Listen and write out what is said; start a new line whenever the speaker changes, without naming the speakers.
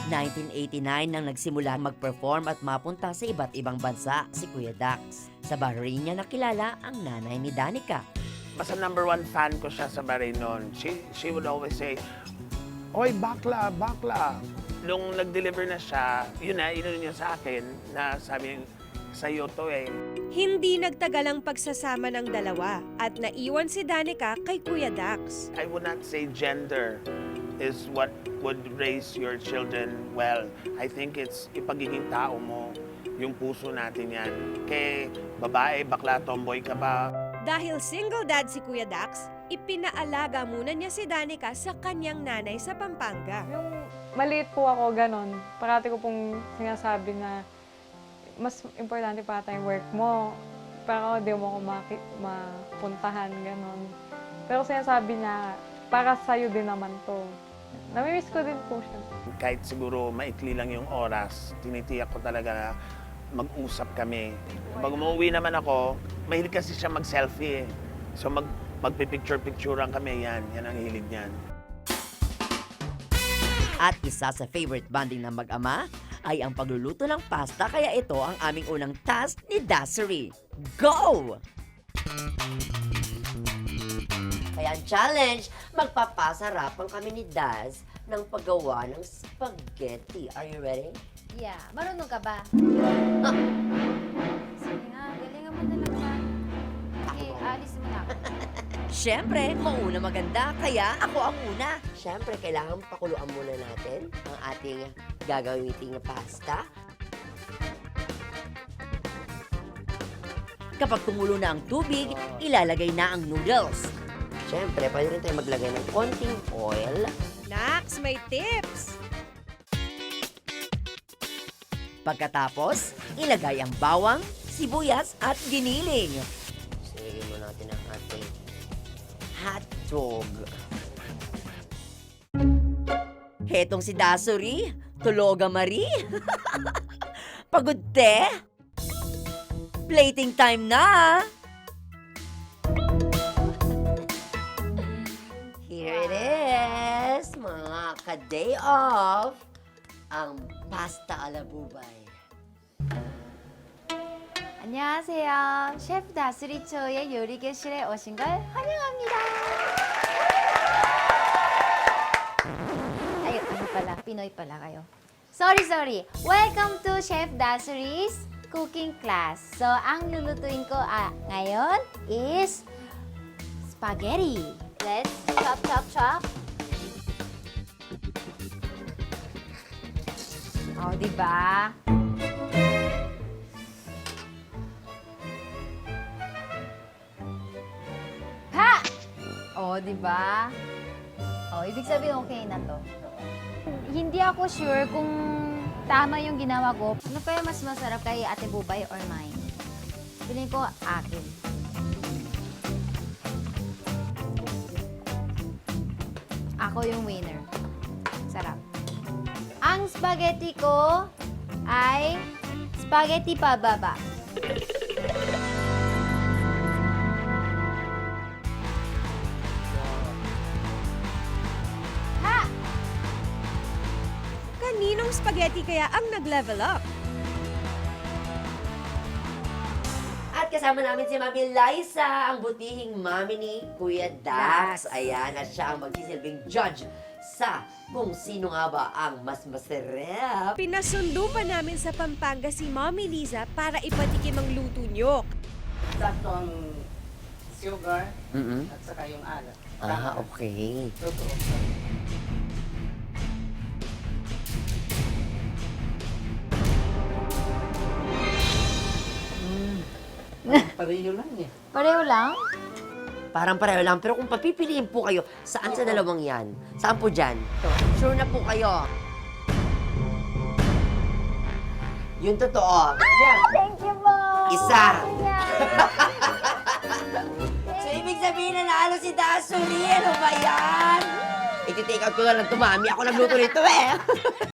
1989 nang nagsimula mag-perform at mapunta sa iba't ibang bansa si Kuya Dax. Sa Bahrain niya nakilala ang nanay ni Danica.
Basta number one fan ko siya sa Bahrain noon. She would always say, "Oy, bakla, bakla." Nung nag-deliver na siya, yun niya sa akin na sabi, sa'yo to eh.
Hindi nagtagal ang pagsasama ng dalawa at naiwan si Danica kay Kuya Dax.
I would not say gender is what would raise your children well. I think it's ipagiging tao mo, yung puso natin yan. Kay babae, bakla, tomboy ka ba?
Dahil single dad si Kuya Dax, ipinaalaga muna niya si Danica sa kanyang nanay sa Pampanga.
Yung maliit po ako, ganon. Parati ko pong sinasabi na mas importante pa yung work mo. Para di mo ako mapuntahan, ganon. Pero sinasabi niya, para sa'yo din naman to. Namimiss ko din po siya.
Kahit siguro maikli lang yung oras, tinitiyak ko talaga na mag-usap kami. Pag umuwi naman ako, mahilig kasi siya mag-selfie eh. So magpipicture-picturean kami, yan ang hilig niyan.
At isa sa favorite bonding ng mag-ama ay ang pagluluto ng pasta, kaya ito ang aming unang task ni Dassery. Go! Kaya ang challenge, magpapasarapan kami ni Daz ng paggawa ng spaghetti. Are you ready?
Yeah, marunong ka ba?
Ah.
Sige nga, galingan mo na lang ba? Okay, alis mo na ako.
Siyempre, mauna maganda, kaya ako ang una. Siyempre, kailangan pakuluan muna natin ang ating gagamiting pasta. Kapag tumulo na ang tubig, ilalagay na ang noodles. Siyempre, pwede rin tayo maglagay ng konting oil.
Nax, may tips!
Pagkatapos, ilagay ang bawang, sibuyas at giniling. Silagay mo natin ang ating hotdog. Hetong si Dassery, tuloga Marie. Pagod te? Plating time na! Here it is, mga ka-day off, ang pasta ala bubay.
안녕하세요. 셰프 다스리초의 요리 교실에 오신 걸 환영합니다. Ay, ano pala? Pinoy pala kayo. Sorry. Welcome to Chef Dassery's cooking class. So, ang lulutuin ko ngayon is spaghetti. Let's chop. Oh, diba? Ha! Oh, diba? Oh, ibig sabihin okay na to. Hindi ako sure kung tama yung ginawa ko. Ano kaya mas masarap kay Ate Bubay or mine? Piling ko akin. Ako yung winner. Sarap. Ang spaghetti ko ay spaghetti pababa. Ha!
Kaninong spaghetti kaya ang nag-level up?
At kasama namin si Mami Liza, ang butihing mami ni Kuya Dax. Ayan, at siya ang magsisilbing judge sa kung sino nga ba ang mas masarap.
Pinasundo pa namin sa Pampanga si Mommy Liza para ipatikim ang luto nyo.
Sakto ang sugar
Mm-mm.
at saka yung alat.
Ah, okay.
Totoo. Pareho lang eh.
Pareho lang?
Parang pareho lang. Pero kung papipiliin po kayo, saan sa dalawang yan? Saan po dyan? Sure na po kayo. Yung totoo.
Thank you po!
Isa.
Yeah.
So, ibig sabihin na naalo si Dassery. Ano ba yan? Iti-take out ko na lang ito, Mami. Ako nagluto nito eh.